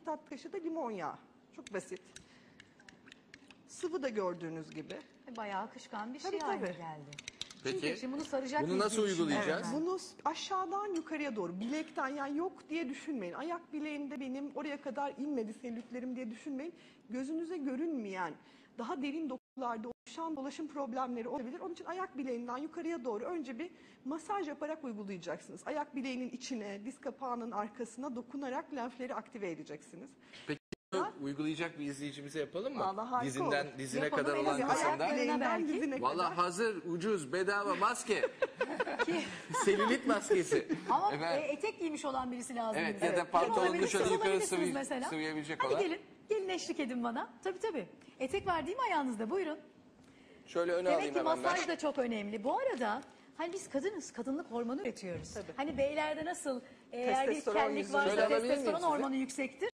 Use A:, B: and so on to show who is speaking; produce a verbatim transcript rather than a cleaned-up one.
A: tatlı kaşığı da limon yağı. Çok basit. Sıvı da gördüğünüz gibi.
B: Bayağı akışkan bir şey
A: Tabii,
B: haline
A: tabii.
B: geldi.
C: Peki,
B: Çünkü şimdi bunu saracak
C: bunu
B: mıyız
C: nasıl
B: diye düşünüyorum
C: uygulayacağız?
B: ben.
A: Bunu aşağıdan yukarıya doğru, bilekten, yani yok diye düşünmeyin. Ayak bileğimde benim oraya kadar inmedi selülitlerim diye düşünmeyin. Gözünüze görünmeyen, daha derin dokularda oluşan dolaşım problemleri olabilir. Onun için ayak bileğinden yukarıya doğru önce bir masaj yaparak uygulayacaksınız. Ayak bileğinin içine, diz kapağının arkasına dokunarak lenfleri aktive edeceksiniz.
C: Peki bunu uygulayacak bir izleyicimize yapalım mı?
A: Vallahi harika
C: Dizinden
A: olur.
C: dizine
B: Yapalım,
C: kadar
B: en
C: olan
B: azından
C: kısımda.
B: ayak
A: Bileğinden
B: belki.
A: dizine kadar.
C: Valla hazır, ucuz, bedava maske. Selülit maskesi.
B: Ama
C: Efendim?
B: e, etek giymiş olan birisi lazım.
C: Evet,
B: bize.
C: ya da
B: Kim
C: pantolonunu
B: olabilir?
C: şöyle
B: Siz
C: yukarı
B: olabilirsiniz
C: sıvı-
B: mesela.
C: sıvayabilecek
B: Hadi
C: olan.
B: gelin, gelin eşlik edin bana. Tabii tabii. Etek var değil mi ayağınızda? Buyurun.
C: Şöyle öne
B: Demek
C: alayım
B: ki
C: hemen ben.
B: masaj da çok önemli. Bu arada hani biz kadınız, kadınlık hormonu üretiyoruz.
A: Tabii.
B: Hani beylerde nasıl e, eğer bir
A: Testosteron
B: kellik
A: yüzü.
B: varsa
C: Şöyle alabilir miyim
B: testosteron
C: sizi?
B: hormonu yüksektir.